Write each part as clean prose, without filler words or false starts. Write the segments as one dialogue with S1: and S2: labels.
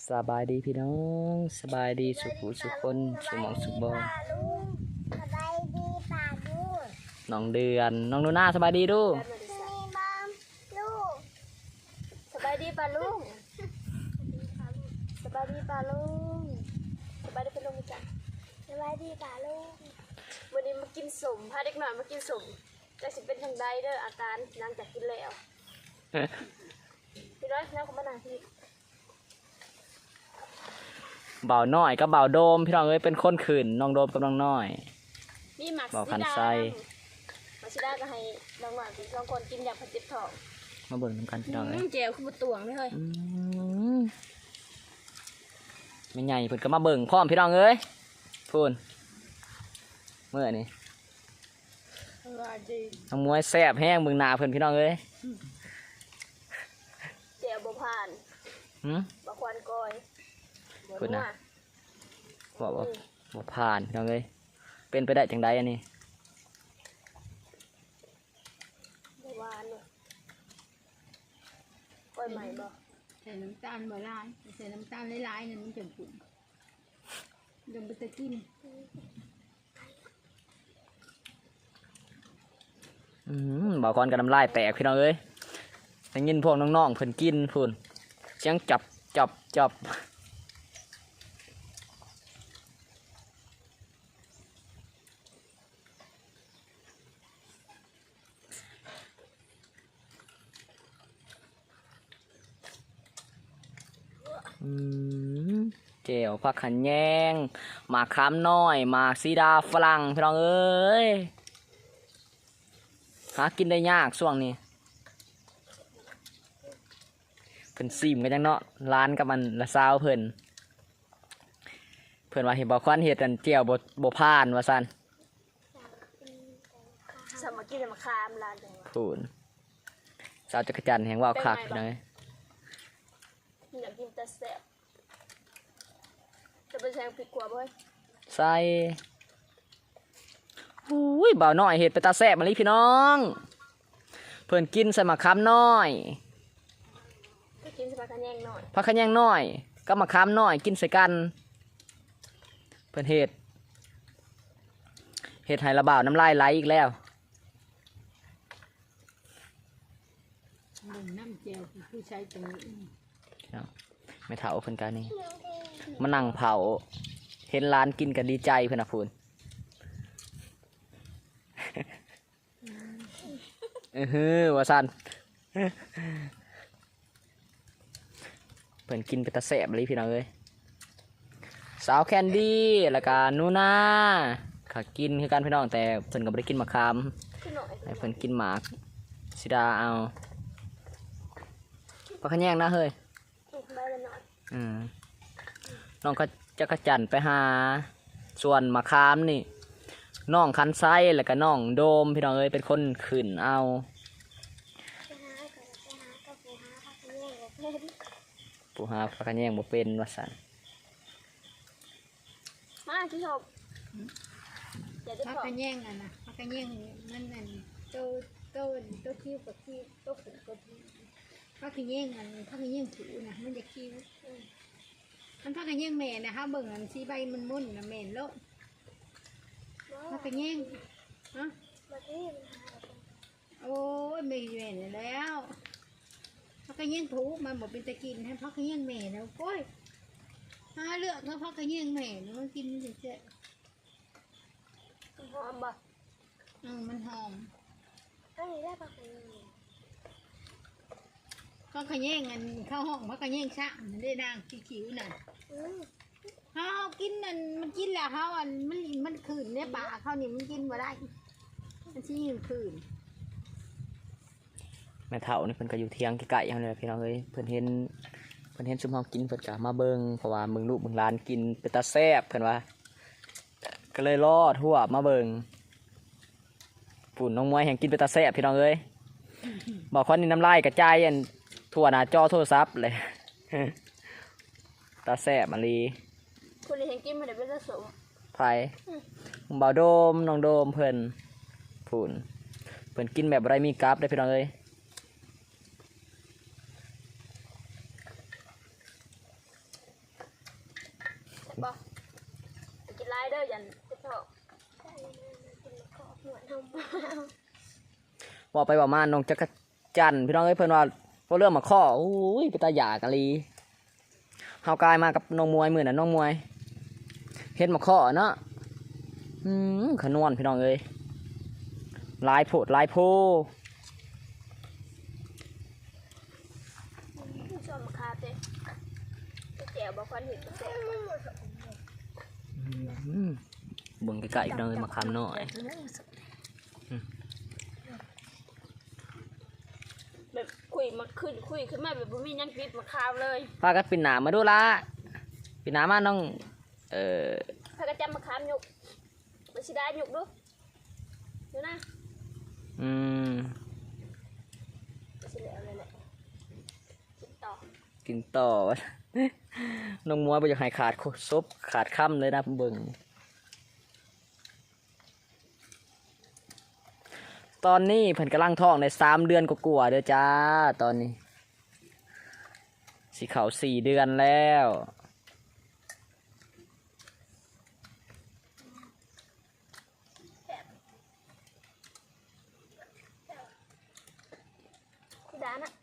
S1: สบายดีพี่น้องสบายดีสุขุสุขคนสุหมองสุขบอ
S2: สบายดีป่าลูก
S1: น้องเดือนน้องนูน่าสบายดีดู
S2: มีบอมลูกสบายดีป่าลุงสบายดีป่าลุงสบายดีป่าลุงจ้ะสบายดีป่าลุงวันนี้มากินสมพาเด็กหน่อยมากินสมจะสิเป็นทางใดเด้ออาการหลังจากกินแล้วพี่น้อยนั่งกับมานั่งที่
S1: เบาหน่อยกับเบาโดมพี่น้องเอ้ยเป็นคนขืนน้องโดมกับน้องน้อย
S2: นี่หมัก
S1: เบาคันไซ
S2: มาชิดาก็ให้น้องหวานลองคนกินอย่างผัดเจ็บท้อง
S1: มาเบิ่งน้ำกันพี่น้องเอ้ย
S2: เจลคือบุตวงไม่เคย
S1: ไม่ใหญ่เพิ่นก็มาเบิ่งพร้อมพี่น้องเอ้ยพูนเมื่อนี่น้องมวยแซ่บแห้งเบิ่งหน้าเพิ่นพี่น้องเอ้ย
S2: เจลบ่ผ่านบะควันกอย
S1: พูดนะบอกว่าบ่ผ่านพี่น้องเอ้ยเป็นไปได้จังใดอันนี้
S2: บ่หวานเนาะกอยใหม่บ่
S3: ใส่น้ำตาลบ่หลายใส่น้ำตาลหลายๆนั่นมันจะปุ่นยังไปตะกิน
S1: บ่ก่อนกับน้ำลายแตกพี่น้องเอ้ยได้ยินพวกน้องๆเพิ่นกินพูนเสียงจับเจียวผักขันแยงหมากขามน้อยหมากซีดาฝรั่งพี่น้องเอ้ยหากินได้ยากช่วงนี้เพิ่นซิมกันจังเนาะร้านกับมันละซาวเพิ่นว่าเห็นบ่ควันเฮ็ดอันเจียวบ่ผ่านว่าซั่น
S2: สามัคคีมาคามลานจังหวะ
S1: พูนสาวจักรจันทร์แห่งว่าวคักพี่น้องเอ้ย
S2: อยากกินแต่แซ่บจะไปแซงผิดกว่าบ่
S1: ใส่อุ้ยบ่าวน้อยเฮ็ดไปตาแซ่บมาลิพี่น้องเพิ่นกินใส่มะขามน้อย
S2: ก็กินสปากันแยงหน่อย
S1: ผักขะแยงน้อยกับมะขามน้อยกินใส่กันเพิ่นเฮ็ดให้ระบ่าวน้ำลายไหลอีกแล้ว
S3: บ่งน้ำเจียวผู้ใช้ตรงนี้
S1: ไม่เฒ่าเพิ่นกันนี่มานั่งเผาเห็นร้านกินกันดีใจเพิ่นน่ะพูนว่าซั่นเพิ่นกินไปตะแซ่บเลยพี่น้องเอ้ยสาวแคนดี้แล้วก็นูน่าก็กินคือกันพี่น้องแต่เพิ่นก็บ่ได้กินมะขามให้เพิ่นกินหมากสิดาเอาปลาขะแยงนะเฮ้ยน้องก็จะกระจันไปหาส่วนมะขามนี่น้องคันไซแล้วก็น้องโดมพี่น้องเอ้ยเป็นคนขึ้นเอาผู้หาปลาขะแยงบ่เป็นว่าซั่น
S2: มาที่ชอบ
S3: พักกันแย่งอ่ะนะพักกันแย่งมันนั่นโตคิ้วกับคิ้วโตขุ่นกับพักกันแย่งอันพักกันแย่งถูนะมันจะคิ้วมันพักกันแย่งแม่นะฮะเบิ่งอันสีใบมันมุ่นนะแม่โลดพักกันแย่งฮะโอ้ยไม่แม่แล้วพักกันแย่งถูมันบอกเป็นตะกินให้พักกันแย่งแม่แล้วโอ้ยหาเลือกแล้วพักกันแย่งแม่แล้วมันกินเจ๊
S2: หอมบ่
S3: มันหอม
S2: อันนี้ได้ปะคะ
S3: พักกันแย่งอันเข้าห้องพักกันแย่งชะมันได้นางคิ้วน่ะเขากินนั่นมันกินแล้วเขาอันมันขืนเนี่ยปากเขานี่มันกินมาได้มันชี้ขืน
S1: แม่เฒ่านี่เพิ่นก็อยู่เที่ยงไกลๆอย่างนี้พี่น้องเอ้ยเพิ่นเห็นซุมเฮากินเพิ่นก็มาเบิ่งเพราะว่ามึงลูกมึงหลานกินเป็นตาแซ่บเพิ่นว่าก็เลยรอดทั่วมาเบิ่งปุ่นน้องมวยแห่งกินเป็นตาแซ่บพี่น้องเอ้ยบอกคนนี้น้ำลายกระจายอันทั่วหน้าจอโทรศัพท์เลยตาแซ่บมาลี
S2: คนนี้แห่งกินมันได้เป็นผสม
S1: ไผ่บ่าวโดมน้องโดมเพิ่นปุ่นเพิ่นกินแบบไรมีกราฟได้พี่น้องเอ้ย
S2: มบ่กินไล่เด้อยันจะชอบกินขอบหัวทำ
S1: บอกไปบอกมาน้องจักรจันทร์พี่น้องเอ้ยเพิ่นว่าพอเรื่องมาข้อโอ้ยไปตาหยากะลีเฮากายมากับน้องมวยมื้อน่ะน้องมวยเฮ็ดมาข้อเนาะขนวนพี่น้องเอ้ยลายโพดลายโพ
S2: ชอบมาคาเต้แจ๋วบอกความเห็นก็แจ๋ว
S1: เบิ่งไกลๆพี่น้องเอ้ยมาคำน้อย
S2: แบบคุยมาขึ้นมาแบบบ่มียังปิดมาคาวเลย
S1: พากันปิดหนามาดูละปิดหนามาน้อง
S2: พากระจำมาคามหยุกมาชิได้หยุกดูดูนะมาชิแล้วเลยแหละกินต่อ
S1: กินต่อ น้องมวยบ่อยากให้ขาดซบขาดค่ำเลยนะเบิ่งตอนนี้เพิ่นกำลังท้องใน3 เดือนกว่าๆเด้อจ้าตอนนี้สิเข้า4 เดือนแล้ว
S2: พี่ดานะ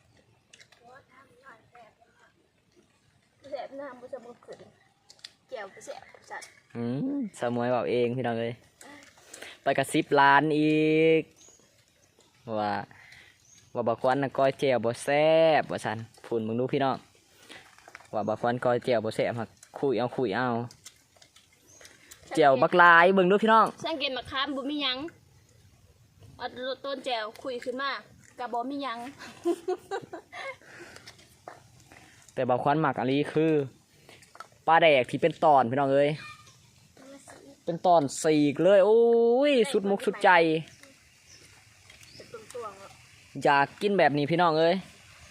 S2: แสบน้ำมันจะบุกขึ้นแก้วไปแสบจัด
S1: สมวยบอกเองพี่น้องเลยไปกระซิบร้านอีกว่าบักควันน่ะก้อยเจียวบ่แซ่บว่าซั่นพูนมึงดูพี่น้องว่าบักควันก้อยเจียวบ่แซ่บหักคุยเอาเจียวบักลายเบิ่งดูพี่น้อง
S2: สังเกตมาคามบุมียังเอาต้นแจวคุยขึ้นมากระบอกมียัง
S1: แต่บักควันหมักอันนี้คือปลาแดกที่เป็นตอนพี่น้องเอ้ยเป็นตอนสีกเลยโอ้ยสุดมุกสุดใจอยากกินแบบนี้พี่น้องเอ้ย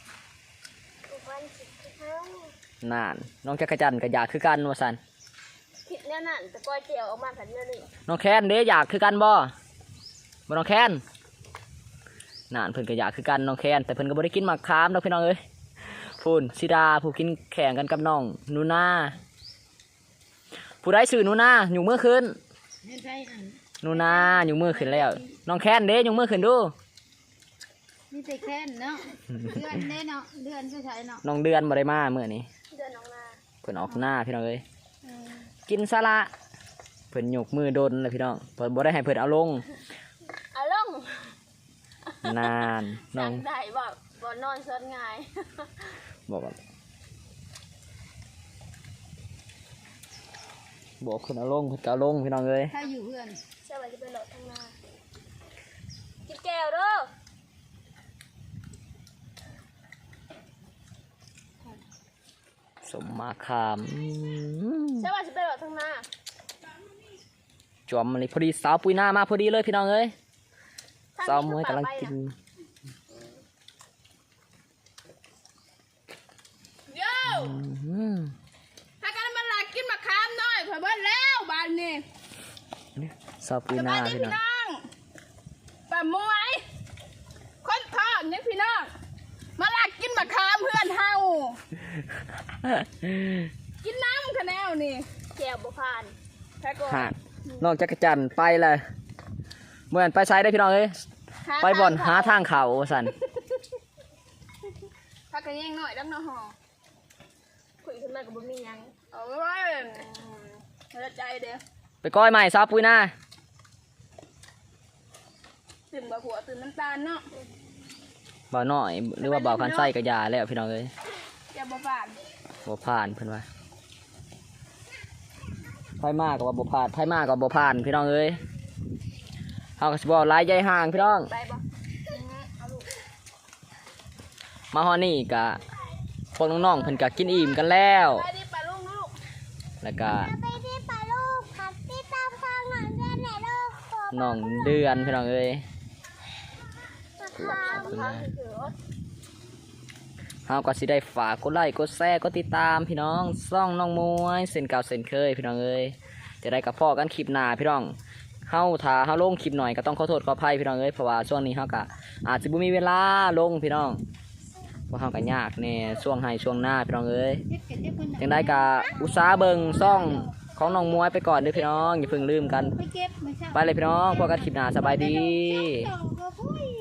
S1: นานน้องจักรจันทร์ก็อยากคือกันว่าสัน
S2: คิดแน่นั่นแต่ก้อยเจียวออกมาแบบนี้นี่
S1: น้องแคนเด้อยากคือกันบ่น้องแคนนานเพิ่นก็อยากคือกันน้องแคนแต่เพิ่นก็บ่ได้กินหมากคามดอกพี่น้องเอ้ยพูนสิดาผู้กินแข่งกันกับน้องนูนาผู้ใดชื่อนูนาอยู่เมื่อคืนนูนาอยู่เมื่อคืนแล้วน้องแคนเด้อยู่เมื่อคืนดู
S3: นี่แต่แค่นเนาะเดือนเด้เนาะเดือนก็ใช้เนาะ
S1: น้องเดือนบ่ได้มาเมื่อนี้
S2: เดินออกมา
S1: เพิ่นออกหน้าพี่น้องเอ้ยกินซะละเพิ่นยกมือดนเลยพี่น้องเพิ่นบ่ได้ให้เพิ่นเอาลง
S2: เอาลง
S1: นานน้อง
S2: ได้บ่นอนซนง่าย
S1: บอกว่าบอกเพิ่นเอาลงเพิ่นก็เอาลงพี่น้องเอ้ย
S3: ถ้าอยู่เพื่อน
S2: เชื่อว่าจะไปหลดทางหน้ากินแก้วเด้อ
S1: สมมาขาม
S2: เชื่อว่าจะไปหลดทางหน้า
S1: จอมมันเลยพอดีสาวปุยหน้ามาพอดีเลยพี่น้องเอ้ยสาวมวยกำลังกิน
S2: โย่ถ้ากันมาหลักกินมาคามหน่อยเผื่อเบิ้ลแล้วบ้านนี้
S1: สาวปุยหน้าพี่น้อง
S2: ป้ามวยคนทอดเนี่ยพี่น้องมาหลักกินมาคามเพื่อนเฮากินน้ำคะแนวนี่แก้วบุพานแพ้ก่อน
S1: ฮะน้องจักรจันทร์ไปเลยเมื่อไปไซด์ได้พี่น้องเอ้ยไปบ่อนหาทางเขาสัน
S2: พักกันยังหน่อยดังน้องหอคุยขึ้นมากับบุมียังเอาไว้เราใจเดียว
S1: ไปก้อยใหม่สาวปุยหน้า
S2: ตื่นบ่หัวตื่นน้ำตาลเนาะ
S1: บ่าวน้อยหรือว่าบ่าวคันไส้กระยาแล้วพี่น้องเอ้ย
S2: แก้วบุพาน
S1: บ่ผ่านเพิ่นว่าไพ่มากกับว่าบ่ผ่านไพ่มากกับบ่ผ่านพี่น้องเอ้ยเฮาก็สิบ่หลายใหญ่ห่างพี่น้อง
S2: ไปบ่เอาลูก
S1: มาฮอดนี่ก็พวกน้องๆเพิ่นก็กินอิ่มกันแล้ว
S2: ไปดิปลาลูกลูก
S1: แล้วก็
S3: ไปที่ปลาลูกครับที่ตามฟังหน่อยเพื่อนไหนลูก
S1: น้องเดือนพี่น้องเอ้ย เฮาก็สิได้ฝากกดไลค์กดแชร์กดติดตามพี่น้องซ่องน้องมวยเส้นเก่าเส้นเคยพี่น้องเอ้ยจะได้กับพ่อกันคลิปหน้าพี่น้องเฮาถ้าเฮาลงคลิปหน่อยก็ต้องขอโทษขออภัยพี่น้องเอ้ยเพราะว่าช่วงนี้เฮาก็อาจสิบ่มีเวลาลงพี่น้องว่าเฮาก็ยากแน่ช่วงให้ช่วงหน้าพี่น้องเอ้ย
S3: เจ็บกันเจ็บคน
S1: จังได้ก็อุตสาห์เบิ่งซ่องของน้องมวยไปก่อนเด้อพี่น้องอย่าเพิ่งลืมกัน
S3: ไปเก็บไม่ใช่
S1: ไปเลยพี่น้องพบกันคลิปหน้าสบายดี
S3: เจ้าก็คุย